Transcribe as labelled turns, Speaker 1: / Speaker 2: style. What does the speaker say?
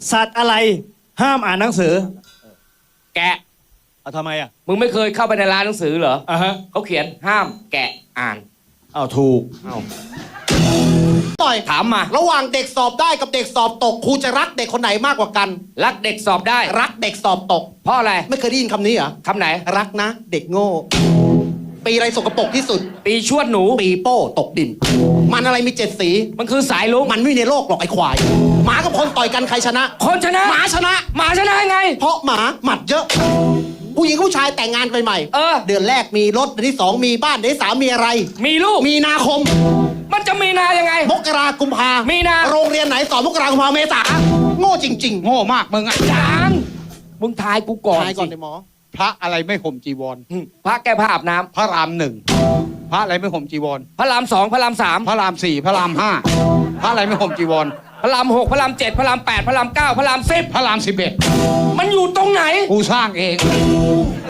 Speaker 1: สัตว์อะไรห้ามอ่านหนังสือ
Speaker 2: แกะ
Speaker 1: เอาทำไมอ่ะ
Speaker 2: มึงไม่เคยเข้าไปในร้านหนังสือเหรอ
Speaker 1: ฮะ
Speaker 2: เขาเขียนห้ามแกะอ่าน
Speaker 1: เอาถูก
Speaker 3: ต่อย
Speaker 2: ถามมา
Speaker 3: ระหว่างเด็กสอบได้กับเด็กสอบตกครูจะรักเด็กคนไหนมากกว่ากัน
Speaker 2: รักเด็กสอบได้
Speaker 3: รักเด็กสอบตก
Speaker 2: เพราะอะไร
Speaker 3: ไม่เคยได้ยินคำนี้เหรอ
Speaker 2: คำไหน
Speaker 3: รักนะ เด็กโง่ ปีอะไรสกปรกที่สุด
Speaker 2: ปีชวดหนู
Speaker 3: ปีโป้ตกดิน มันอะไรมี7 สี
Speaker 2: มันคือสายลุง
Speaker 3: มันไม่มีในโลกหรอกไอ้ควาย หมากับคนต่อยกันใครชนะ
Speaker 2: คนชนะ
Speaker 3: หมาชนะ
Speaker 2: หมาชนะยังไง
Speaker 3: เพราะหมาหมัดเยอะ ผู้หญิงกับผู้ชายแต่งงานกันใหม่
Speaker 2: เออ
Speaker 3: เดือนแรกมีรถเดือนที่2มีบ้านเดือนที่3มีอะไร
Speaker 2: มีลูก
Speaker 3: มีนาคม
Speaker 2: มันจะมีนายังไง
Speaker 3: มกรากุมภา
Speaker 2: มีนา
Speaker 3: โรงเรียนไหนสอนมกรากุมภาเมษาโง่จริง ๆ
Speaker 4: โง่มากมึงอ่ะ
Speaker 2: จางมึงทายกูก่อน
Speaker 3: ทายก่อน
Speaker 2: สิ
Speaker 3: เลยหมอ
Speaker 4: พระอะไรไม่ห่มจีวร
Speaker 2: พระแก้ผ้าอาบน้ำ
Speaker 4: พระรามหนึ่งพระอะไรไม่ห่มจีวร
Speaker 2: พระราม2พระราม3
Speaker 4: พระรามสี่พระรามห้าพระอะไรไม่ห่มจีวร
Speaker 2: พระราม6พระราม7พระราม8พระราม9พระราม10
Speaker 4: พระราม11
Speaker 2: มันอยู่ตรงไหน
Speaker 4: กูสร้างเอง